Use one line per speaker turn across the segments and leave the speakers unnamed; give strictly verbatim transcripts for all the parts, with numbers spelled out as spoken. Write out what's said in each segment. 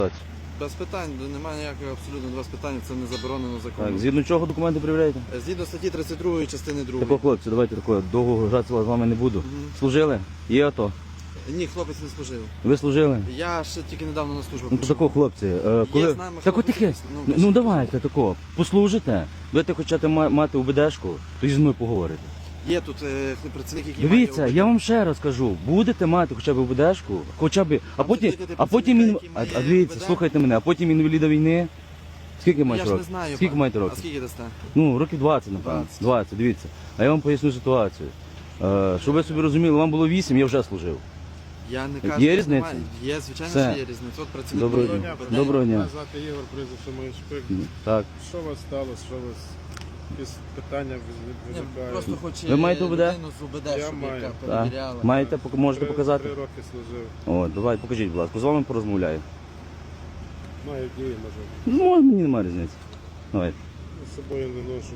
Без питань, немає ніякого абсолютно без питань, це не заборонено законом.
Так, згідно чого документи перевіряєте?
Згідно статті тридцять другої частини другої.
Тако, хлопці, давайте такое, довго гратися з вами не буду.
Мгм.
Служили? Є АТО?
Ні, хлопець не служив.
Ви служили?
Я ще тільки недавно на службу
Ну то
прийшов.
тако, хлопці, е, коли...
знаємо,
Так от
хлопці,
таке,
ну,
ну,
без-
ну давайте тако, послужите, будете хочете ма- мати УБДшку, то зі мною поговорите.
Є тут е, працівник, який
Дивіться,
має...
я вам ще раз кажу, будете мати хоча б УБДшку, хоча б, а
Там
потім,
сидить
а потім,
працівника,
ін-
який
а,
має
а дивіться,
УБД.
слухайте мене, а потім інваліда війни, скільки
Я
маєте
ж не
років?
знаю.
Скільки
пан.
маєте
А
років?
скільки дасте?
Ну, років двадцять, напевно.
двадцять.
двадцять, дивіться. А я вам поясню ситуацію. Е, щоб ви собі розуміли, вам було вісім, я вже служив.
Я не
Є
кажу, що
різниця?
немає. Є, звичайно,
Все.
що є різниця. От працівник
Доброго
має
дня.
УБД.
Доброго дня.
Мене звати Ігор, прізвище моє Шпик.
Так.
Що у вас сталося? Що у вас якісь питання
Ні,
виникають?
Просто хоче
Ви маєте УБД?
людину з УБД,
Я
щоб
маю.
яка
Так.
перевіряла.
Маєте, пок- можете
Три-
показати?
Три роки служив.
О, давай, покажіть, будь ласка, з вами порозмовляю.
Маю дії, може.
Ну, може, мені немає різниці. Давайте.
З собою не ношу.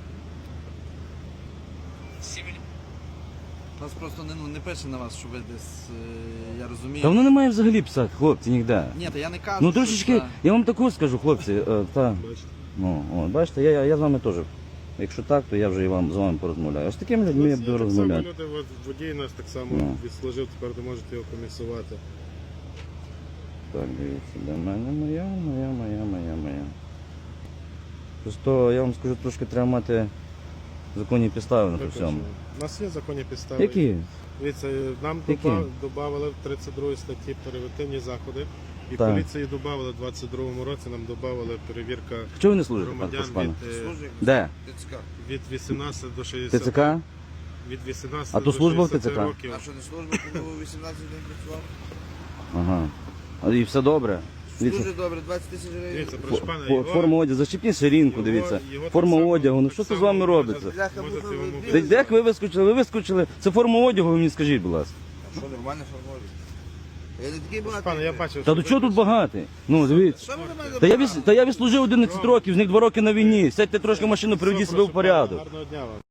Нас просто не, ну, не пише на вас, що ви десь, е, я розумію.
Та воно не має взагалі писати, хлопці, ніде.
Ні, та я не кажу,
Ну
що
трошечки,
це-
я вам таку скажу, хлопці, е, та,
Бачите?
ну, от, бачите, я, я, я з вами теж. Якщо так, то я вже і вам з вами порозмовляю. А з такими людьми я
Нас є
буду
так
розмовляти.
само люди, от водій нас так само
Ну.
відслужив, тепер ви можете його комісувати.
Так, дивіться, де мене моя, моя, моя, моя, моя. Просто я вам скажу, трошки треба мати законні підстави на
Ви
то всьому.
кажете, У нас є законні підстави.
Які?
Дивіться, нам
Які?
додали в тридцять другій статті превентивні заходи. І
Так.
поліції додали в двадцять другому році, нам додали перевірка
Чого ви не служите, пан
громадян
Пашпане?
від, е,
Служить
Де?
ТЦК.
від вісімнадцяти до шістдесяти.
ТЦК?
Від вісімнадцяти
А то
до
служба в
шістдесяти
ТЦК?
років.
А що не служба, коли вісімнадцять днів працював?
Ага. А і все добре? Дивіться,
Дуже добре, двадцять тисяч гривень.
Дивіться,
фо-
прошу пана,
фо-
його,
форма одягу, зачепіть ширинку,
його-
дивіться.
його так
Форма
само-
одягу, ну
так
що це з
само
вами
можна-
робиться?
Бляха,
можете
можна
йому
ви-
Де, де як ви вискочили? Ви вискочили. Це форма одягу, ви мені скажіть, будь ласка.
Що, нормально, що можуть? Я не такий
Прошу
багатий.
пана, я бачив,
Та
що
до
ви
чого тут багатий? Ну, дивіться.
Що ви на мене
Та я,
напали?
віс- та я відслужив одинадцять років, з них два роки на війні. Сядьте трошки в машину, приведіть себе в
Прошу пана,
порядок.
Гарного дня вам.